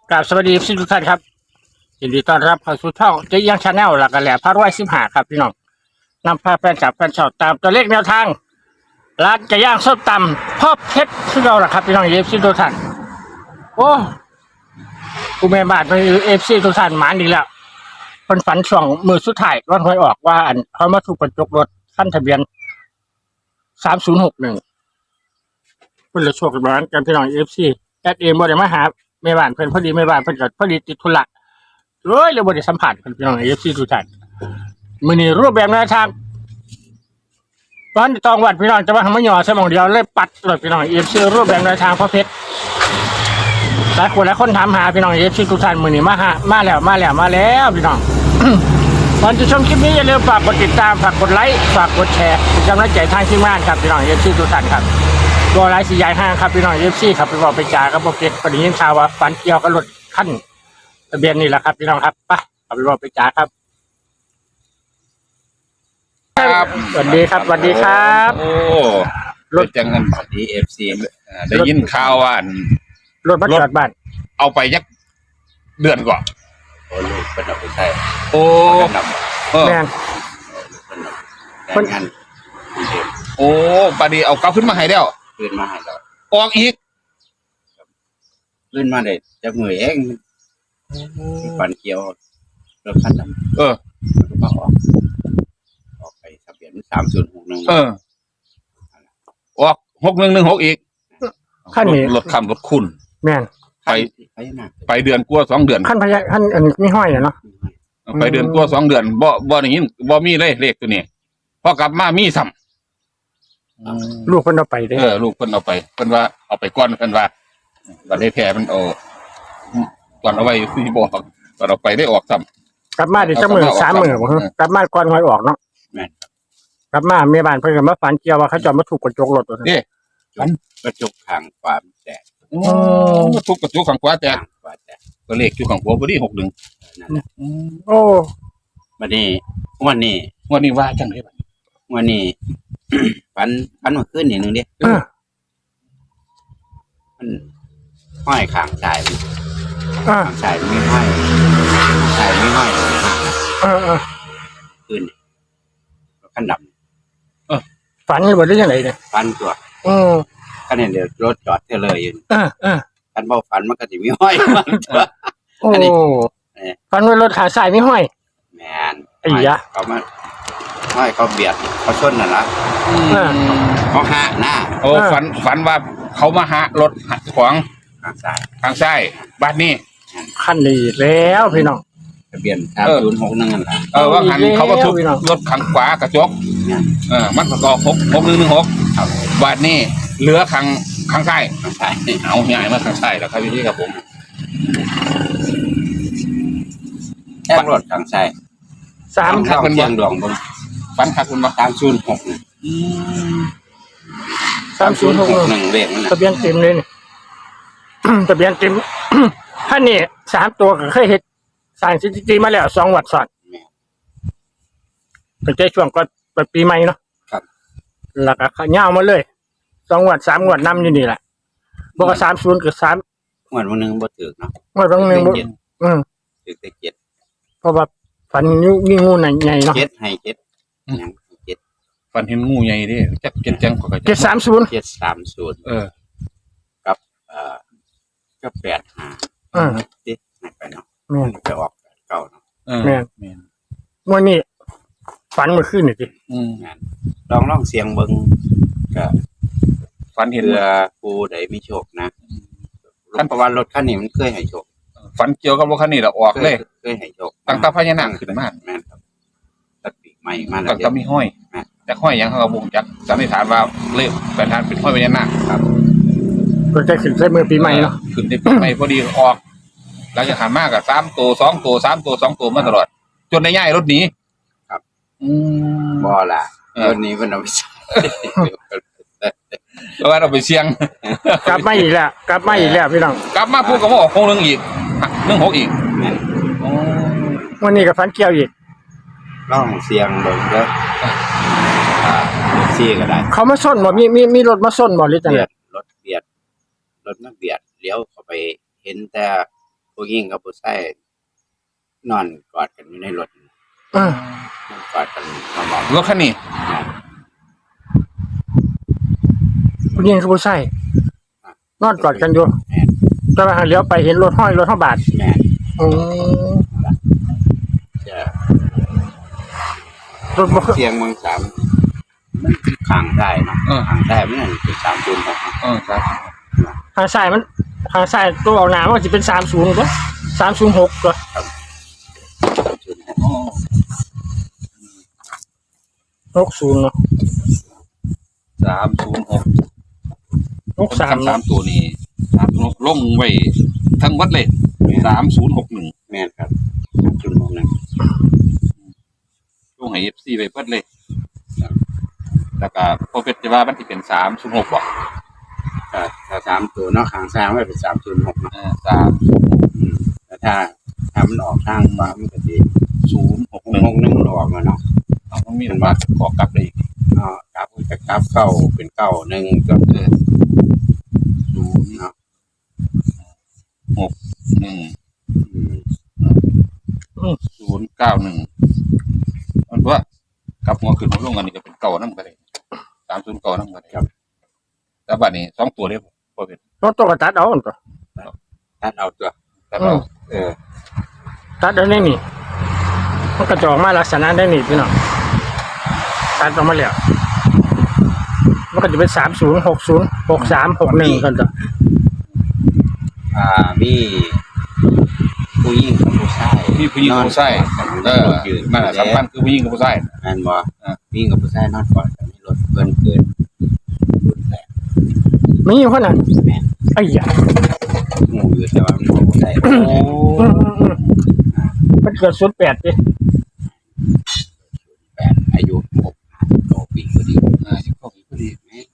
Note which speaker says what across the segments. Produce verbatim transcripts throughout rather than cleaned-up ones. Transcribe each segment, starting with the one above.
Speaker 1: กราบสวัสดีทุกท่านครับยินดีต้อนรับเข้าสู่ช่องเจ๊ยังชาแนลหลักกระแหล่พระร้อยสิบห้าครับพี่น้องนำพาแฟนจับแฟนชอบตามตัวเลขแนวทางร้านไก่ย่างส้มตำพ่อเพชรที่เราล่ะครับพี่น้องเอฟซีทุกท่านโอ้กูแม่บ้านไปเอฟซีทุกท่านหมานดีแล้วคนฝันช่วงมือสุดท้ายวันหวยออกว่าอันเขามาถูกกระจกรถขั้นทะเบียนสามศูนย์หกหนึ่งเพื่อนเลยโชคร้านกันพี่น้องเอฟซีแอดเอ็มบ่ได้มาหาแม่บ้านเพื่อนพอดีแม่บ้านเพื่อนก็พอดีติดธุระเอ้ยเลยบ่ได้สัมผัสกันพี่น้องเอฟซีทุกท่านมื้อนี้รูปแบบแนวทางตอนตองวัดพี่น้องจะมาทำมะหยอสมองเดียวเลยปัดเลยพี่น้องเอฟซีรูปแบบแนวทางพ่อเพชรหลายคนหลายคนถามหาพี่น้องเอฟซีทุกท่านมื้อนี้มาหามาแล้วมาแล้วมาแล้วพี่น้อง ก่อนจะชมคลิปนี้อย่าลืมฝากกดติดตามฝากกดไลค์ฝากกดแชร์เป็นกำลังใจทางทีมงานครับพี่น้องเอฟซีทุกท่านครับตัวไลฟ์สีใหญ่ห้างครับพี่น้องเอฟซีครับไปบอกไปจ่าครับโอเคพอดียินข่าวว่าฝันเกี่ยวกับรถขั้นทะเบียนนี่แหละครับพี่น้องครับไปเอาไปบอกไปจ่าครับครับสวัสดีครับสวัสดีครับ
Speaker 2: โอ้รถจังกันสวัสดีเอฟซีได้ยินข่าวว่าร
Speaker 1: ถมาจอดบ้าน
Speaker 2: เอาไปยักเดือนก่อน
Speaker 3: โอ้ลูกเป็นเอาไปใช้
Speaker 2: โอ้
Speaker 3: น
Speaker 2: เออ
Speaker 1: แม่น
Speaker 3: ำเป็นงานกรุงเทพ
Speaker 2: โอ้ปาดีเอากลับขึ้นมาให้แล้ว
Speaker 3: ขึ้นมาให้เรา
Speaker 2: ออกอีก
Speaker 3: ขึ้นมาได้จะมือเองฝันเกี่ยวรถคันดำ
Speaker 2: เออ
Speaker 3: มันก็มาออกออกไปทะเบียนสามศูนย์หกหนึ่ง
Speaker 2: เออออกหกหนึ่งหนึ่งหกอีก
Speaker 1: ขั้นนี้
Speaker 2: รถคำรถคุณ
Speaker 1: แม่น
Speaker 2: ไป
Speaker 3: ไปหนัก
Speaker 2: ไปเดือนกลัวสองเดือน
Speaker 1: ขั้นพยาขั้นอันนี้ไม่ห้อยเนาะ
Speaker 2: ไปเดือนกลัวสองเดือนบ่บ่อย่างนี้บ่มีเลยเลขตัวนี้พอกลับมามีซ้ำ
Speaker 1: ลูกเพิ่นเอาไปเด้
Speaker 2: เออลูกเพิ่นเอาไปเพิ่นว่าเอาไปก้อนเพิ่นว่าบัดได้แท้มันเอาก่อนเอาไว้ที่บอกก่อนเอาไปได้ออกซ้ำ
Speaker 1: กลับมาได้จักมื้อสามมื้อบ่ฮะกลับมาก่อนหวยออกเนาะ
Speaker 3: แม่น
Speaker 1: กลับมาแม่บ้านเพิ่นก็มาฝันเกี่ยวว่าเขาจอดมาถูกกระจกรถว่าซั่น
Speaker 2: นี่
Speaker 3: กระจกข้างความแตก
Speaker 2: โอ้ทุกกระจุกข้างขวาแตก
Speaker 3: ข้างขวาแตก
Speaker 2: ก็เลขอยู่ข้างหัวพอดีหกหนึ่ง
Speaker 3: นั่นแหละ
Speaker 1: โอ้
Speaker 3: วันนี้วันนี้
Speaker 2: วันนี้ว่าจังได๋บัด
Speaker 3: วันนี้ ฝันฝันเมื่อคืนนี่หนึงเดิ
Speaker 1: เออ
Speaker 3: มันห้อยข้างซ้ายมัน
Speaker 1: เออ
Speaker 3: ข้างซ้ายมันไม่ห้อยข้างซ้ายไม่ห้อย
Speaker 1: เออเออ
Speaker 3: คืนนี่รถคันด
Speaker 1: ฝันหรือว่าได้ยังไงเนี่ย
Speaker 3: ำฝันตัว
Speaker 1: อืม
Speaker 3: คันเห็นเดี๋ยวรถจอดเทเลยอยู่
Speaker 1: เออเออ
Speaker 3: คันเบาฝันมันก็สิมีห้อยมันตัว
Speaker 1: โอ้
Speaker 3: อันนี้ เออ
Speaker 1: ฝันว่ารถขาสายไม่ห้อย
Speaker 3: แมน
Speaker 1: ไอ้ยะ
Speaker 3: เขามาห้อยเขาเบียดเขาชนน่ะนะ
Speaker 1: เออ
Speaker 3: เขาห้าหน้า
Speaker 2: โอ้ฝันฝันว่าเขามาหารถขวาง
Speaker 3: ข้างซ้าย
Speaker 2: ทางซ้ายบ้านนี้
Speaker 1: ขั้นนี้แล้วพี่น้อง
Speaker 3: ทะเบียนสามศูนย์หกนั่นนั่นแหละ
Speaker 2: เออว่าหันเขาก็ทุบรถข้างขวากระจก
Speaker 3: เนี่ย
Speaker 2: เออมันก็หกหกหนึ่งหนึ่งหกบ้านนี้เหลือข้างข้างซ้าย
Speaker 3: ข้างซ้ายนี่
Speaker 2: เอาใหญ่มาข้างซ้ายแล้วครับพี่ครับผม
Speaker 3: แค่รถข้างซ้าย
Speaker 1: สาม
Speaker 3: ข้างเชียงดวงบน
Speaker 2: ฝันคักคุณบ่
Speaker 3: สามศูนย์หก
Speaker 1: สามศูนย์หก
Speaker 3: หนึ่งเลขมันน่ะ
Speaker 1: ทะเบียนเต็มเลยนี่ ทะเบียนเต็ม ท่านนี่สามตัวก็เคยเห็นสร้างสถิติมาแล้วสองวัดสอดเป็นใจช่วงก็ปีใหม่เนาะ
Speaker 3: ครับ
Speaker 1: แล้วก็เงามาเลยสองวัดสามวัดนำอยู่นี่แหละบอกว่าสามศูนย์กับสาม
Speaker 3: งวดวันหนึงบ่ถึกเนาะ
Speaker 1: วัดบางหนึ่งบ่
Speaker 3: เจ็ด
Speaker 1: อืม
Speaker 3: ถึกแต่เจ็ด
Speaker 1: เพราะว่าฝันงูนี่งูใหญ่ๆเนาะ
Speaker 3: เจ็ดให้เจ็ดหยังเจ็ด
Speaker 2: ฝันเห็นงูใหญ่เดิจักเจ็ดจังก็
Speaker 1: เจ็ดสามศูนย์
Speaker 3: เจ็ดสามศูนย์
Speaker 2: เออ
Speaker 3: กับเอ่อก็แปดห้า
Speaker 1: อ่า
Speaker 3: ติดให้ไปเนาะ
Speaker 1: แม่น
Speaker 3: ไปออกแปดเก้าเนาะ
Speaker 2: เออ
Speaker 1: แม่น
Speaker 2: แม่น
Speaker 1: วันนี้ฝันเมื่อคืนนี่สิ
Speaker 2: อืม
Speaker 3: งานลองลองเสียงเบิ่งก็
Speaker 2: ฝันเห็น
Speaker 3: เพื่อผู้ใดมีโชคนะเพราะว่ารถคันนี้มันเคยให้โชค
Speaker 2: ฝันเกี่ยวกับรถคันนี้แล้วออกเลย
Speaker 3: เคยให้โชค
Speaker 2: ตั้งแต่พญานาคขึ้นมา
Speaker 3: แม่นครับตัดปีกใหม่มาแล้ว
Speaker 2: ตั้งแต่มีห้อยแต่ห้อยยังเขาก็บ่งจักสันนิษฐานว่าเลขแปดทานเป็นห้อยพญานาค
Speaker 3: ครับ
Speaker 1: ก็จะขึ้นใส่มือปีใหม่เนาะ
Speaker 2: ขึ้นได้ปีใหม่พอดีออกหลังจากหันมากกับสามตัวสองตัวสามตัวสองตัวมาตลอด จนได้ย้ายรถหนีอืม
Speaker 3: บ่ล่ะ
Speaker 2: เออ
Speaker 3: วันนี้มันเอาไปใช้
Speaker 2: แล้วว่าเราไปเสี่ยง
Speaker 1: กลับมาอีกแล้วกลับมาอีกแล้วพี่น้อง
Speaker 2: กลับมาพูดกับว่าออกหกหนึ่งอีกหนึ่งหกอีก
Speaker 3: แม่น
Speaker 2: อ๋อ
Speaker 1: วันนี้ก็ฝันเกี่ยวอีก
Speaker 3: ลองเสียงเบิ่งเด้ออ่าซี่ก็ได้
Speaker 1: เขามาส้นบ่มีมีมีรถมาส้นบ่หรือจัง
Speaker 3: เบี
Speaker 1: ได๋
Speaker 3: ยดรถเบียดรถมาเบียดเลี้ยวเข้าไปเห็นแต่ผู้หญิงกับผู้ชายนอนกอดกันอยู่ในรถ
Speaker 1: อ่าน
Speaker 3: อนกอดกันนอนหมอบ
Speaker 2: รถคันนี้
Speaker 1: ผู้หญิงกับผู้ชายนอนกอดกันอยู่
Speaker 3: แม่น
Speaker 1: แต่ว่าเลี้ยวไปเห็นรถห้อยรถห้าบาท
Speaker 3: แม่น
Speaker 1: อืม
Speaker 3: จะ
Speaker 1: รถบ่เคย
Speaker 3: เสียงเมืองสามมันขังได้เนาะ
Speaker 2: เออ
Speaker 3: ขังได้ไม่นั่นเป็นสามจุดหก
Speaker 2: เออครับ
Speaker 1: ทางซ้ายมันทางซ้ายตัวเอาหน้ามันจะเป็นสามศูนย์ก็สามศูนย์หกก็
Speaker 3: สามจุดหก
Speaker 2: อ๋อ
Speaker 1: หกศูนย์เนาะ
Speaker 2: สามศูนย์หก
Speaker 1: หกสาม
Speaker 2: สามตัวนี้สามศูนย์หกลงไว้ทั้งวัดเลยสามศูนย์หกหนึ่ง
Speaker 3: แม่นครับสามจุดหกหนึ่ง
Speaker 2: ลงให้เอฟซีไปเพิ่นเลยแล้วก็พอเป็นจะว่ามันที่เป็นสามศูนย์หกบ่
Speaker 3: ถ้าถ้าสามตัวเนาะขังซ้ายมันเป็นสามจุดหกเนาะ
Speaker 2: เออสาม
Speaker 3: อืมแต่ถ้าถ้ามันออกทางขวามันก็ดี
Speaker 2: ศูนย์หก
Speaker 3: ห
Speaker 2: หนึ่ง
Speaker 3: กหนึ่งมันออกมาเนาะ
Speaker 2: ต้องมีมันมาขอกลับเลยอีก
Speaker 3: เนาะกราฟจะกราฟเก้าเป็นเก้าหนึ่งก็
Speaker 2: เออ
Speaker 3: ดูเนาะ
Speaker 2: หนึ่ง
Speaker 3: อืม
Speaker 2: ศูนย์เก้าหนึ่งมันว่ากลับหัวขึ้นหัวลงอันนี้ก็เป็นเก่านั่นก็ได้สามศูนย์เก่านั่นก็ได้ครับแล้วบัดนี้สองตัวเดียวพอเป็น
Speaker 1: รถตัวกระตัดเอาอันก็
Speaker 3: ตัดเอาตัว
Speaker 2: แต่เรา
Speaker 3: เออ
Speaker 1: ตัดเอาได้นี่มันกระจอกมาลักษณะได้นี่พี่น้องตัดออกมาแล้วมันก็จะเป็นสามศูนย์หกศูนย์หกสามหกหนึ่งกันจ้ะ
Speaker 3: อ่ามีผู้หญิงกับผู้ชาย
Speaker 2: มีผู้หญิงกับผู้ชายเออนั่นแหละสำคัญคือผู้หญิงกับผู้ชาย
Speaker 3: แม่นบ่
Speaker 2: อ่า
Speaker 3: ผู้หญิงกับผู้ชายนอนกอดกันในรถเกินเกินรุ่นแรก
Speaker 1: มีอยู่คนนั้น
Speaker 3: แม่น
Speaker 1: ไอ้ยา
Speaker 3: หมู่อยู่แต่ว่ามันบ่ได้
Speaker 2: โอ้
Speaker 1: อืมอืมอืมมันเกิดศูนย์แปดดิ
Speaker 3: แปดอายุหกโตปีพอดี
Speaker 2: อ่าสิบเก้าปีพอดี
Speaker 3: แม่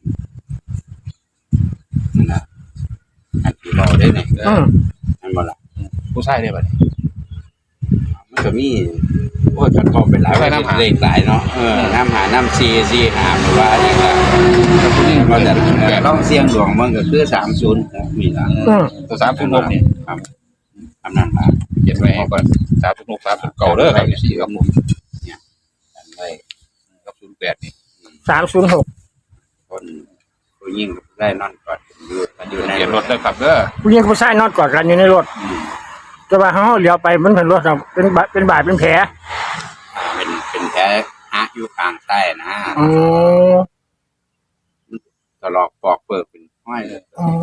Speaker 3: นั่นน่ะอันที่เราได้เนี่ย
Speaker 2: เอ
Speaker 1: อื
Speaker 2: อ
Speaker 1: ม
Speaker 3: นั่นบ่ล่ะ
Speaker 2: ผู้ชายได้บัดนี้
Speaker 3: มันก็มีโอ้ยกันก็เป็นหลาย
Speaker 2: ใช่น้ำหา
Speaker 3: เลขหลายเนาะเออน้ำหาน้ำซีซีหาหรือว่าอย่างไร
Speaker 2: ผู้หญิง
Speaker 3: ก็
Speaker 2: ก็
Speaker 3: จะ
Speaker 2: จะแปด
Speaker 3: ต้องเสี่ยงดวงมันก็คือสามศูนย์มีละ
Speaker 1: อืม
Speaker 2: ตัวสามศูนย์หกนี่
Speaker 3: ครับทำนั่นละ
Speaker 2: เขียนไว้ให้ก่อนสามศูนย์หกสามศูนย์เก่าเด้อครับสี่กับหก
Speaker 3: กันไว้
Speaker 2: กับศูนย์แปดนี่
Speaker 1: สามศูนย์หก
Speaker 3: คนผู้ยิ่งได้นอนกอดกันอยู่กันอยู่ใน
Speaker 2: เขียนรถได้ครับเด้อ
Speaker 1: ผู้หญิงกับผู้ชายนอนกอดกันอยู่ในรถ
Speaker 3: อืม
Speaker 1: แต่ว่าเขาเลี้ยวไปมันเป็นรถเราเป็นบาดเป็นบาดเป็นแผล
Speaker 3: เป็นเป็นแผลฮะอยู่กลางใต้นะ
Speaker 1: อ๋อ
Speaker 3: ตลอกปอกเปิดเป็นห้อยเลย
Speaker 1: อ๋อ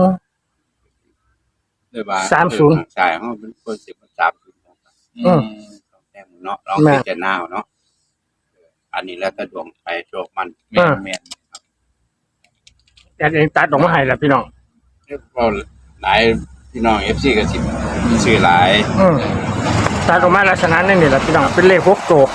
Speaker 3: เลยว่า
Speaker 1: สามศูนย์
Speaker 3: ใช่เขาเป็นคนสิบสามศูนย์
Speaker 1: อืม
Speaker 3: แต้มเนาะลอง
Speaker 1: แม่
Speaker 3: พิจารณาเอาเนาะอันนี้แล้วแต่ดวงไปโชคมัน
Speaker 2: แม่นแม่น
Speaker 1: แต่เองตัดออกมาให้แล้วพี่น้อง
Speaker 3: ก็หลายพี่น้องเอฟซีก็สิมีชื่อหลาย
Speaker 1: อืมตัดออกมาลักษณะนั่นนี่แหละพี่น้องเป็นเลขหกตัว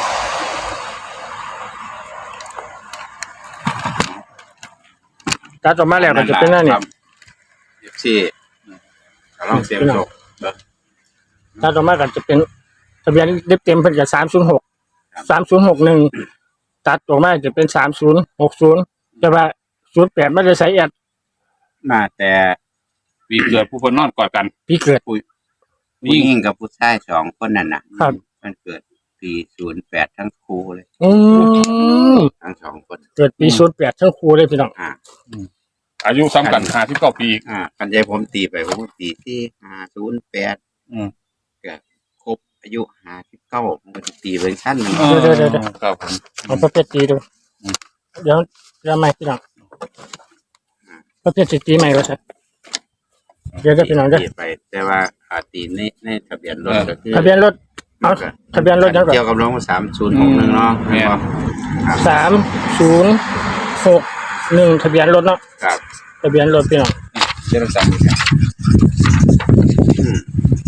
Speaker 1: ตัดออกมาแล้วก็จะเป็นนั่นนี่
Speaker 3: เอฟซีก็ลองเสียงโชค
Speaker 1: ตัดออกมาก็จะเป็นทะเบียนเล็บเต็มเป็นกับสามศูนย์หกสามศูนย์หกหนึ่งตัดออกมาจะเป็นสามศูนย์หกศูนย์แต่ว่าศูนย์แปดไม่ได้ใส่แอด
Speaker 3: มาแต่
Speaker 2: ปีเกิดผู้คนนอนกอดกัน
Speaker 1: พี่เกิด
Speaker 3: ผู้หญิงกับผู้ชายสองคนนั่นน่ะ
Speaker 1: ครับ
Speaker 3: มันเกิดปีศูนย์แปดทั้งคู่เลย
Speaker 1: อืม
Speaker 3: ทั้งสองคน
Speaker 1: เกิดปีศูนย์แปดทั้งครูเลยพี่น้อง
Speaker 3: อ่า
Speaker 2: อายุซ้ำกันห้าสิบเก้าปี
Speaker 3: อ่ากันใจผมตีไปผมก็ตีที่ห้าศูนย์แปด
Speaker 2: อืม
Speaker 3: ก็ครบอายุห้าสิบเก้ามันก็จะตีเป็นชั้นหนึ่ง
Speaker 2: ครับผม
Speaker 1: เอาประเภทตีดู
Speaker 2: อืม
Speaker 1: เดี๋ยวเดี๋ยวไม่พี่น้องประเภทสิตีใหม่ก็ใช่เดี๋ยวจะพี่น้องเด้อ
Speaker 3: ตีไป แต่ว่าอาตีในในทะเบียนรถก็คือ
Speaker 1: ทะเบียนรถเอาทะเบียนรถยังก่อน
Speaker 3: เกี่ยวกับรถสามศูนย์หกหนึ่งเนาะ
Speaker 2: แม่น
Speaker 1: สามศูนย์หกหนึ่งทะเบียนรถเนาะ
Speaker 3: ครับ
Speaker 1: ทะเบียนรถพี่น้อง
Speaker 2: เจ้าสั่ง
Speaker 3: อืม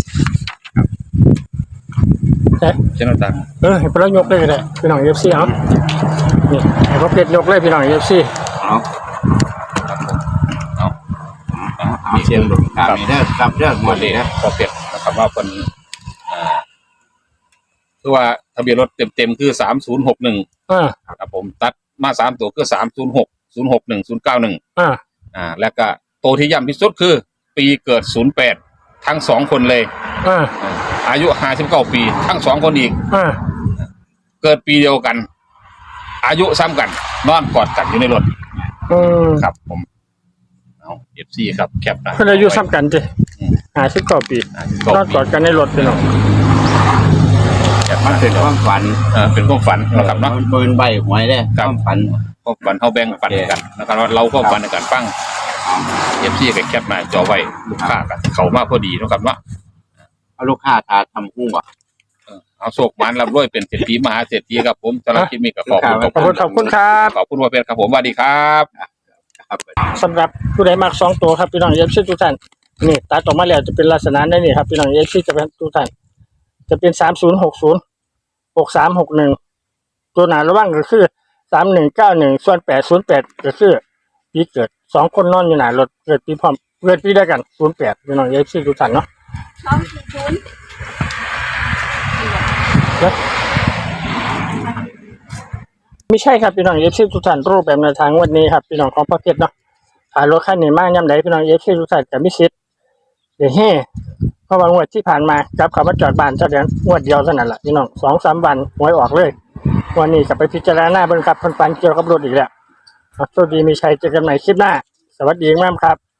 Speaker 1: ใช่
Speaker 2: เจ้าสั่ง
Speaker 1: เออให้พวกเรายกเลยก็ได้พี่น้องเอฟซีเอานี่ให้พวกเพชรยกเลยพี่น้องเอฟซี
Speaker 3: เอา
Speaker 2: เอา
Speaker 3: เอาเอาเสียงลงตามนี้เด้อครับเรื่องหม
Speaker 2: วั
Speaker 3: ด
Speaker 2: น
Speaker 3: เล
Speaker 2: นี้
Speaker 3: ยนะ
Speaker 2: พอเปลี่ยนนะครับว่าเป็นอ่าคือว่าทะเบียนรถเต็มๆคือสามศูนย์หกหนึ่ง
Speaker 1: อ่า
Speaker 2: ครับผมตัดมาสามตัวคือสามศูนย์หกศูนย์หกหนึ่งศูนย์เก้าหนึ่ง
Speaker 1: อ่า
Speaker 2: อ่า แล้วก็ตัวที่ย้ำที่สุดคือ ปีเกิดศูนย์แปดทั้งสองคนเลย
Speaker 1: เออ
Speaker 2: อายุห้าสิบเก้าปี ทั้งสองคนอีก
Speaker 1: เออ
Speaker 2: เกิดปีเดียวกัน อายุซ้ำกัน นอนกอดกันอยู่ในรถ
Speaker 1: อืม
Speaker 2: ครับผมเอาเอฟซีครับแคปนะ
Speaker 1: เพิ่นอายุซ้ำกันจิห้าสิบเก้าปีนอนกอดกันในรถพี่น้อง
Speaker 2: แคป
Speaker 3: มัน
Speaker 2: นะ
Speaker 3: เป็นความฝัน
Speaker 2: เออเป็นความฝันนะครับเนาะ
Speaker 3: มันเป็นใบหวยเด้
Speaker 2: ค
Speaker 3: ครับ วามฝัน
Speaker 2: ความฝันเขาแบ่งฝันกันนะครับว่าเราก็ฝันในการฟังเอฟซีกับแคปมาจอไว้ลูกค้ากันเขามาพอดีนะครับเนาะ
Speaker 3: เอาลูกค้าตาทำหุ้งบ่
Speaker 2: เออเอาโศกมันรับด้วยเป็นเศรษฐีมหาเศรษฐีครับผมสำหรับคลิปนี้ก็ขอบคุณ
Speaker 1: ขอบคุณขอบคุณครับ
Speaker 2: ขอบคุณว่าเป็นครับผมสวัสดีครับ
Speaker 3: ครับ
Speaker 1: สำหรับผู้ใดมักสองตัวครับพี่น้องเอฟซีทุกท่านนี่ตัดออกมาแล้วจะเป็นลักษณะนี้นี่ครับพี่น้องเอฟซีจะเป็นทุกท่านจะเป็นสามศูนย์หกศูนย์หกสามหกหนึ่งตัวหนาระว่างก็คือสามหนึ่งเก้าหนึ่งส่วนแปดศูนย์แปดก็คือปีเกิดสองคนนอนอยู่หนารถเกิดปีพร้อมเกิดปีเดียวกันศูนย์แปดพี่น้องเอฟซีทุกท่านเนาะ
Speaker 4: สองสี่ศูนย์
Speaker 1: ไม่ใช่ครับพี่น้องเอฟซีทุกท่านรูปแบบแนวทางวันนี้ครับพี่น้องของพ่อเพชรเนาะขายรถคันนี้มากย่ำใดพี่น้องเอฟซีทุกท่านกับมิสิทธิ์เดี๋ยวเฮ่เพราะว่างวดที่ผ่านมาจับเขามาจอดบ้านเจ้าเดือนงวดเดียวเท่านั้นแหละพี่น้องสองสามวันหวยออกเลยวันนี้กลับไปพิจารณาเบิ่งครับเพิ่นฝันเกี่ยวกับรถอีกแล้วครับสวัสดีมีชัยเจอกันใหม่คลิปหน้าสวัสดีมากครับ